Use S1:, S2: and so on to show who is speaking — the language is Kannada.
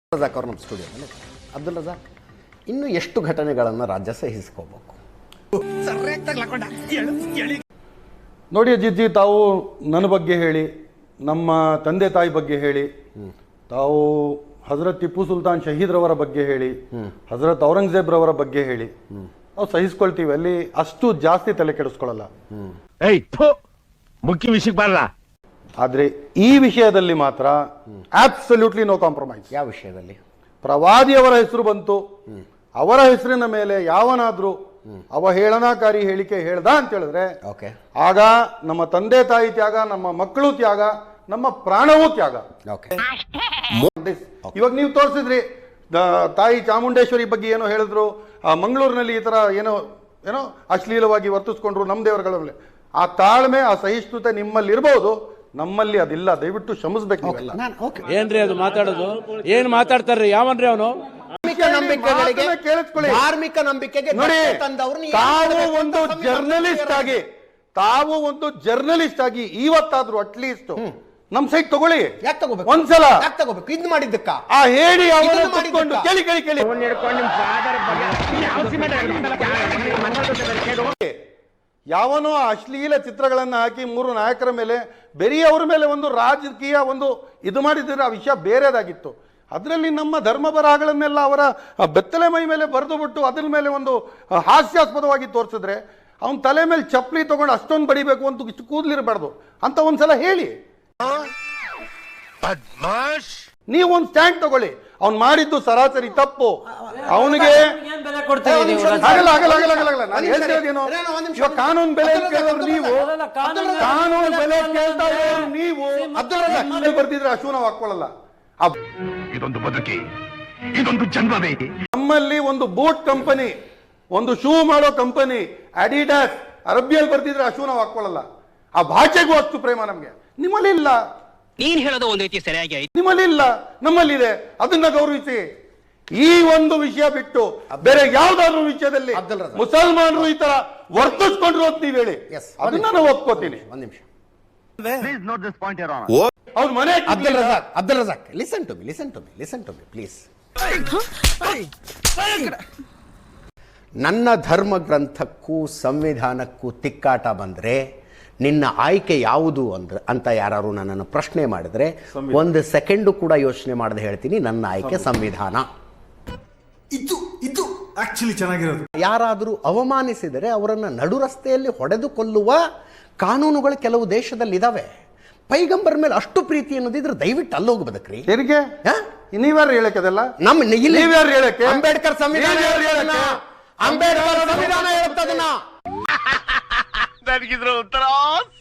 S1: ರಜಾಕ್ ಅವ್ರು ನಮ್ಮ ಸ್ಟುಡಿಯೋದಲ್ಲಿ. ಅಬ್ದುಲ್ ರಜಾಕ್, ಇನ್ನು ಎಷ್ಟು ಘಟನೆಗಳನ್ನು ರಾಜ್ಯ ಸಹಿಸ್ಕೋಬೇಕು?
S2: ನೋಡಿ ಅಜಿತ್ಜಿ, ತಾವು ನನ್ನ ಬಗ್ಗೆ ಹೇಳಿ, ನಮ್ಮ ತಂದೆ ತಾಯಿ ಬಗ್ಗೆ ಹೇಳಿ, ತಾವು ಹಜರತ್ ಟಿಪ್ಪು ಸುಲ್ತಾನ್ ಶಹೀದ್ರವರ ಬಗ್ಗೆ ಹೇಳಿ, ಹಜರತ್ ಔರಂಗಜೇಬ್ರವರ ಬಗ್ಗೆ ಹೇಳಿ, ನಾವು ಸಹಿಸ್ಕೊಳ್ತೀವಿ. ಅಲ್ಲಿ ಅಷ್ಟು ಜಾಸ್ತಿ ತಲೆ ಕೆಡಿಸ್ಕೊಳ್ಳಲ್ಲ.
S3: ಮುಖ್ಯ ವಿಷಯಕ್ಕೆ ಬರಲ್ಲ.
S2: ಆದರೆ ಈ ವಿಷಯದಲ್ಲಿ ಮಾತ್ರ ಅಬ್ಸಲ್ಯೂಟ್ಲಿ ನೋ ಕಾಂಪ್ರಮೈಸ್.
S1: ಯಾವ ವಿಷಯದಲ್ಲಿ?
S2: ಪ್ರವಾದಿಯವರ ಹೆಸರು ಬಂತು, ಅವರ ಹೆಸರಿನ ಮೇಲೆ ಯಾವನಾದ್ರೂ ಅವಹೇಳನಕಾರಿ ಹೇಳಿಕೆ ಹೇಳ್ದ ಅಂತ ಹೇಳಿದ್ರೆ ಆಗ ನಮ್ಮ ತಂದೆ ತಾಯಿ ತ್ಯಾಗ, ನಮ್ಮ ಮಕ್ಕಳು ತ್ಯಾಗ, ನಮ್ಮ ಪ್ರಾಣವೂ ತ್ಯಾಗ. ಇವಾಗ ನೀವು ತೋರಿಸಿದ್ರಿ, ತಾಯಿ ಚಾಮುಂಡೇಶ್ವರಿ ಬಗ್ಗೆ ಏನೋ ಹೇಳಿದ್ರು, ಮಂಗಳೂರಿನಲ್ಲಿ ಈ ತರ ಏನೋ ಏನೋ ಅಶ್ಲೀಲವಾಗಿ ವರ್ತಿಸ್ಕೊಂಡ್ರು ನಮ್ಮ ದೇವರುಗಳ ಮೇಲೆ. ಆ ತಾಳ್ಮೆ, ಆ ಸಹಿಷ್ಣುತೆ ನಿಮ್ಮಲ್ಲಿ ಇರಬಹುದು, ನಮ್ಮಲ್ಲಿ ಅದಿಲ್ಲ. ದಯವಿಟ್ಟು ಕ್ಷಮಿಸ್ಬೇಕು.
S4: ಏನ್ರಿ ಅದು ಮಾತಾಡೋದು? ಏನ್ ಮಾತಾಡ್ತಾರ್ರಿ? ಯಾವನ್ರಿ ಅವನು?
S1: ಧಾರ್ಮಿಕ ನಂಬಿಕೆಗೆ
S2: ನೋಡಿ, ತಾವು ಒಂದು ಜರ್ನಲಿಸ್ಟ್ ಆಗಿ ಇವತ್ತಾದ್ರೂ ಅಟ್ಲೀಸ್ಟ್ ನಮ್ ಸೈಟ್ ತಗೊಳ್ಳಿ. ಒಂದ್ಸಲ
S1: ಇದು ಮಾಡಿದ್ದಕ್ಕ
S2: ಆ ಹೇಳಿ ಕೇಳಿ ಕೇಳಿ ಕೇಳಿ ಯಾವನೋ ಅಶ್ಲೀಲ ಚಿತ್ರಗಳನ್ನ ಹಾಕಿ 3 ನಾಯಕರ ಮೇಲೆ, ಬೇರೆಯವರ ಮೇಲೆ ಒಂದು ರಾಜಕೀಯ ಒಂದು ಇದು ಮಾಡಿದ್ರೆ ಆ ವಿಷಯ ಬೇರೆದಾಗಿತ್ತು. ಅದರಲ್ಲಿ ನಮ್ಮ ಧರ್ಮ ಬರಹಗಳನ್ನೆಲ್ಲ ಅವರ ಬೆತ್ತಲೆ ಮೈ ಮೇಲೆ ಬರೆದು ಬಿಟ್ಟು ಅದ್ರ ಮೇಲೆ ಒಂದು ಹಾಸ್ಯಾಸ್ಪದವಾಗಿ ತೋರಿಸಿದ್ರೆ ಅವನ ತಲೆ ಮೇಲೆ ಚಪ್ಪಲಿ ತಗೊಂಡು ಅಷ್ಟೊಂದು ಬಡಿಬೇಕು ಅಂತ ಇಷ್ಟು ಕೂದಲಿರಬಾರ್ದು ಅಂತ ಒಂದ್ಸಲ ಹೇಳಿ. ನೀವು ಒಂದು ಸ್ಟ್ಯಾಂಡ್ ತಗೊಳ್ಳಿ. ಅವ್ನು ಮಾಡಿದ್ದು ಸರಾಸರಿ ತಪ್ಪು. ಅವನಿಗೆ ಕಾನೂನು ಬೆಲೆ ಕೇಳೋರು ನೀವು, ಕಾನೂನು ಬೆಲೆ ಕೇಳ್ತಾ ಇರೋರು ನೀವು. ಬರ್ದಿದ್ರೆ ಅಶು ನಾವು ಹಾಕೊಳ್ಳಲ್ಲ.
S3: ಇದೊಂದು ಬದುಕಿ, ಇದೊಂದು ಜನ್ಮವೇ.
S2: ನಮ್ಮಲ್ಲಿ ಒಂದು ಬೂಟ್ ಕಂಪನಿ, ಒಂದು ಶೂ ಮಾಡೋ ಕಂಪನಿ ಅಡಿಡಾಸ್ ಅರಬಿಯಲ್ಲಿ ಬರ್ತಿದ್ರೆ ಅಶು ನಾವು ಹಾಕೊಳ್ಳಲ್ಲ. ಆ ಭಾಷೆಗೂ ಅಷ್ಟು ಪ್ರೇಮ ನಮ್ಗೆ. ನಿಮ್ಮಲ್ಲಿ ಇಲ್ಲ.
S5: ನೀನ್ ಹೇಳೋದು ಒಂದು ರೀತಿ ಸರಿಯಾಗಿ ಆಯ್ತು.
S2: ನಿಮ್ಮಲ್ಲಿ ಇಲ್ಲ, ನಮ್ಮಲ್ಲಿದೆ. ಅದನ್ನ ಗೌರವಿಸಿ. ಈ ಒಂದು ವಿಷಯ ಬಿಟ್ಟು ಬೇರೆ ಯಾವ್ದಾದ್ರು ವಿಷಯದಲ್ಲಿ ಮುಸಲ್ಮಾನರು ಈ ತರ ವರ್ತಿಸ್ಕೊಂಡ್ರು ಅಂತ ನೀವು ಹೇಳಿ, ಅದನ್ನ ನಾನು ಒಪ್ಕೋತೀನಿ.
S1: ಒಂದ್ ನಿಮಿಷ.
S2: ಅವ್ರ ಮನೆ
S1: Abdul Razak, listen to me please. ನನ್ನ ಧರ್ಮ ಗ್ರಂಥಕ್ಕೂ ಸಂವಿಧಾನಕ್ಕೂ ತಿಕ್ಕಾಟ ಬಂದ್ರೆ ನಿನ್ನ ಆಯ್ಕೆ ಯಾವುದು ಅಂತ ಯಾರು ನನ್ನನ್ನು ಪ್ರಶ್ನೆ ಮಾಡಿದ್ರೆ 1 ಸೆಕೆಂಡು ಕೂಡ ಯೋಚನೆ ಮಾಡದೆ ಹೇಳ್ತೀನಿ, ನನ್ನ ಆಯ್ಕೆ ಸಂವಿಧಾನ.
S6: ಇದು ಆಕ್ಚುಲಿ ಚೆನ್ನಾಗಿರೋದು.
S1: ಯಾರಾದರೂ ಅವಮಾನಿಸಿದರೆ ಅವರನ್ನ ನಡು ರಸ್ತೆಯಲ್ಲಿ ಹೊಡೆದು ಕೊಲ್ಲುವ ಕಾನೂನುಗಳು ಕೆಲವು ದೇಶದಲ್ಲಿ ಇದಾವೆ. ಪೈಗಂಬರ್ ಮೇಲೆ ಅಷ್ಟು ಪ್ರೀತಿ ಅನ್ನೋದಿದ್ರೆ ದಯವಿಟ್ಟು ಅಲ್ಲೋಗಿ ಬದುಕ್ರಿ.
S2: ನೀವ್ಯಾರು ಹೇಳಕ್ಕೆಲ್ಲ?
S1: ಅಂಬೇಡ್ಕರ್ ಸಂವಿಧಾನ ಹೇಳುತ್ತದನ್ನ.
S3: ನನಗಿದ್ರ ಉತ್ತರ